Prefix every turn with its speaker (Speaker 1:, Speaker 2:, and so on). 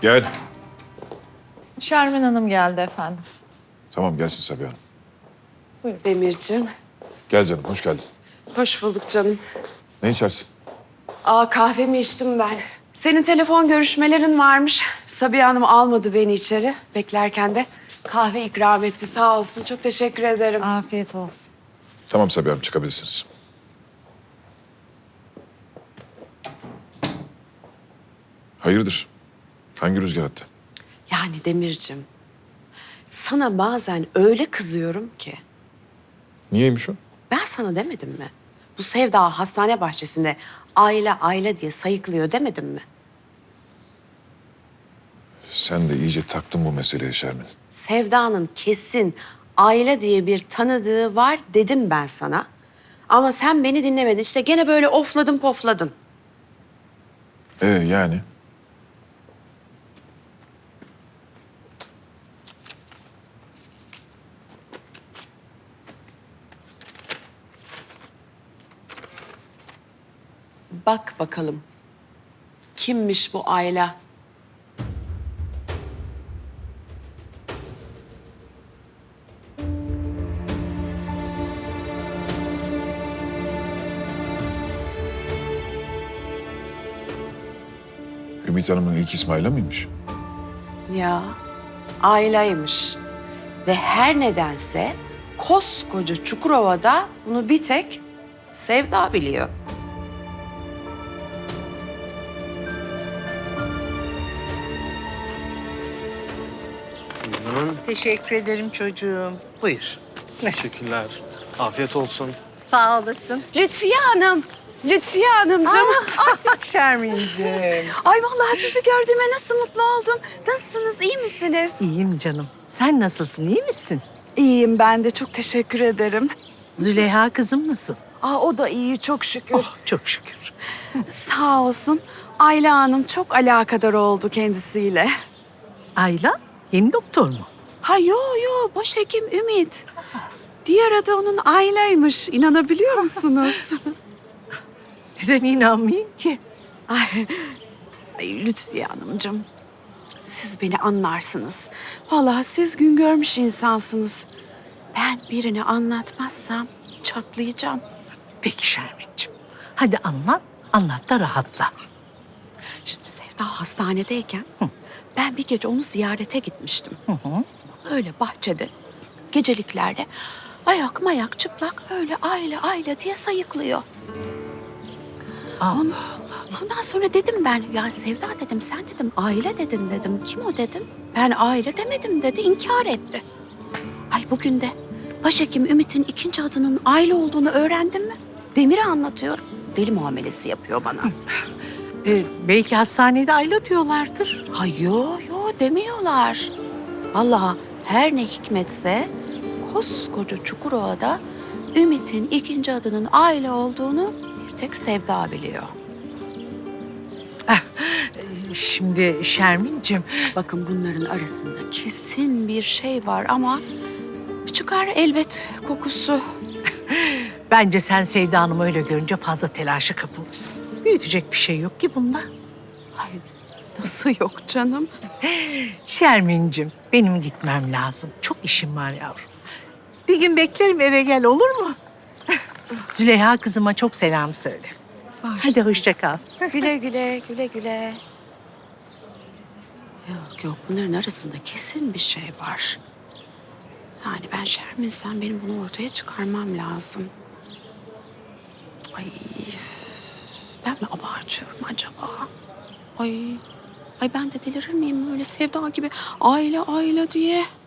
Speaker 1: Gel.
Speaker 2: Şermin Hanım geldi efendim.
Speaker 1: Tamam gelsin Sabiha Hanım.
Speaker 3: Demircim,
Speaker 1: Gel canım hoş geldin.
Speaker 3: hoş bulduk canım.
Speaker 1: Ne içersin?
Speaker 3: Kahvemi içtim ben. Senin telefon görüşmelerin varmış. Sabiha Hanım almadı beni içeri. Beklerken de kahve ikram etti. Sağ olsun. Çok teşekkür ederim.
Speaker 2: Afiyet olsun.
Speaker 1: Tamam Sabiha Hanım çıkabilirsiniz. Hayırdır? Hangi rüzgar attı?
Speaker 3: Yani Demircim, sana bazen öyle kızıyorum ki.
Speaker 1: Niyeymiş o?
Speaker 3: Ben sana demedim mi? Bu Sevda hastane bahçesinde aile diye sayıklıyor demedim mi?
Speaker 1: Sen de iyice taktın bu meseleye Şermin.
Speaker 3: Sevda'nın kesin aile diye bir tanıdığı var dedim ben sana. Ama sen beni dinlemedin. İşte gene böyle ofladın pofladın.
Speaker 1: Yani?
Speaker 3: Bak bakalım. Kimmiş bu Ayla?
Speaker 1: Ümit Hanım'ın ilk ismi Ayla mıymış?
Speaker 3: Ya Ayla'ymış. Ve her nedense koskoca Çukurova'da bunu bir tek Sevda biliyor.
Speaker 4: Teşekkür ederim çocuğum. Buyur.
Speaker 5: Teşekkürler. Afiyet olsun.
Speaker 4: Sağ olasın.
Speaker 3: Lütfiye Hanım. Lütfiye Hanımcığım.
Speaker 4: Şermin'ciğim.
Speaker 3: Ay vallahi sizi gördüğüme nasıl mutlu oldum. Nasılsınız? İyi misiniz?
Speaker 4: İyiyim canım. Sen nasılsın? İyi misin?
Speaker 3: İyiyim ben de. Çok teşekkür ederim.
Speaker 4: Züleyha kızım nasıl?
Speaker 3: O da iyi çok şükür.
Speaker 4: Oh, çok şükür.
Speaker 3: Sağ olsun. Ayla Hanım çok alakadar oldu kendisiyle.
Speaker 4: Ayla yeni doktor mu?
Speaker 3: Ha yo başhekim Ümit. Diğer adı onun Ayla'ymış. İnanabiliyor musunuz?
Speaker 4: Neden inanmayayım ki?
Speaker 3: Ay Lütfiye Hanımcığım. Siz beni anlarsınız. Vallahi siz gün görmüş insansınız. Ben birini anlatmazsam çatlayacağım.
Speaker 4: Peki Şermin'ciğim. Hadi anlat, anlat da rahatla.
Speaker 3: Şimdi Sevda hastanedeyken ben bir gece onu ziyarete gitmiştim. Öyle bahçede geceliklerde ayak mayak çıplak öyle Ayla diye sayıklıyor.
Speaker 4: Allah.
Speaker 3: Ondan sonra dedim ben ya Sevda dedim sen dedim aile dedin dedim. Kim o dedim. Ben aile demedim dedi inkar etti. Ay bugün de başhekim Ümit'in ikinci adının aile olduğunu öğrendim mi? Demir'e anlatıyorum. Deli muamelesi yapıyor bana.
Speaker 4: Belki hastanede Ayla diyorlardır.
Speaker 3: Ha yo demiyorlar. Vallahi her ne hikmetse koskoca Çukurova'da Ümit'in ikinci adının aile olduğunu bir tek Sevda biliyor.
Speaker 4: Şimdi Şermin'ciğim.
Speaker 3: Bakın bunların arasında kesin bir şey var ama çıkar elbet kokusu.
Speaker 4: Bence sen Sevda Hanım'ı öyle görünce fazla telaşa kapılmışsın. Büyütecek bir şey yok ki bunda.
Speaker 3: Ay nasıl yok canım?
Speaker 4: Şermin'cim benim gitmem lazım. Çok işim var yavrum. Bir gün beklerim eve gel olur mu? Züleyha kızıma çok selam söyle. Hadi hoşça kal.
Speaker 3: Güle güle. Yok bunların arasında kesin bir şey var. Yani ben Şermin'sem benim bunu ortaya çıkarmam lazım. Ay ben mi abartıyorum acaba? Ay ben de delirir miyim öyle Sevda gibi aile diye?